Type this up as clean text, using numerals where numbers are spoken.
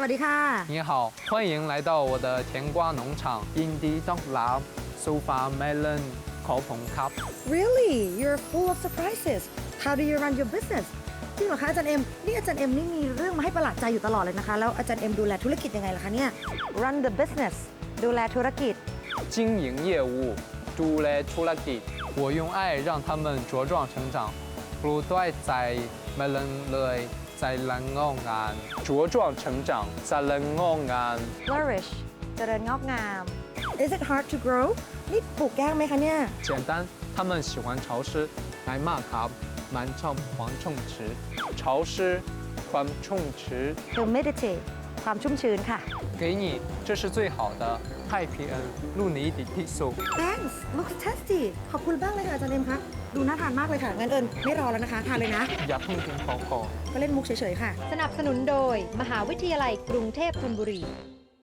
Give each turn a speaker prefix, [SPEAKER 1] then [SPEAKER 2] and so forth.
[SPEAKER 1] วัสดีค่ะ
[SPEAKER 2] 你好，欢迎来到我的甜瓜农场 Indie Dog Lab Sofa Melon Coupon Cup。
[SPEAKER 1] Really you're full of surprises how do you run your business จริงเหรอคะอาจารย์เอ็มนี่อาจารย์เอ็มนี่มีเรื่องมาให้ประหลาดใจอยู่ตลอดเลยนะคะแล้วอาจารย์เอ็มดูแลธุรกิจยังไงล่ะคะเนี่ย run the business ดูแลธุรกิจ
[SPEAKER 2] 经营业务，ดูแลธุรกิจ我用爱让他们茁壮成长ปลูกด้วยใจเมลอนเลยใจรังงอกงาน茁壮成长ใจรังงอกงาน
[SPEAKER 1] flourish เจริญงอกงาม Is it hard to grow นี่ปลูกยากไหมคะเนี่ย
[SPEAKER 2] 简单他们喜欢潮湿ไงมากครับมันชอบความชุ่มชื้น潮湿ความชุ่มชื้น
[SPEAKER 1] humidity ความชุ่มชื้นค่ะ
[SPEAKER 2] 给你这是最好的太平恩路尼迪蒂素
[SPEAKER 1] Thanks looks tasty ขอบคุณบ้างเลยค่ะอาจารย์เอ็มคะดูน่าทานมากเลยค่ะงั้นเอิญไม่รอแล้วนะคะทานเลยนะ
[SPEAKER 2] อย่าเพิ่งกินของก่อน
[SPEAKER 1] ก็เล่นมุกเฉยๆค่ะ
[SPEAKER 3] สนับสนุนโดยมหาวิทยาลัยกรุงเทพธนบุรี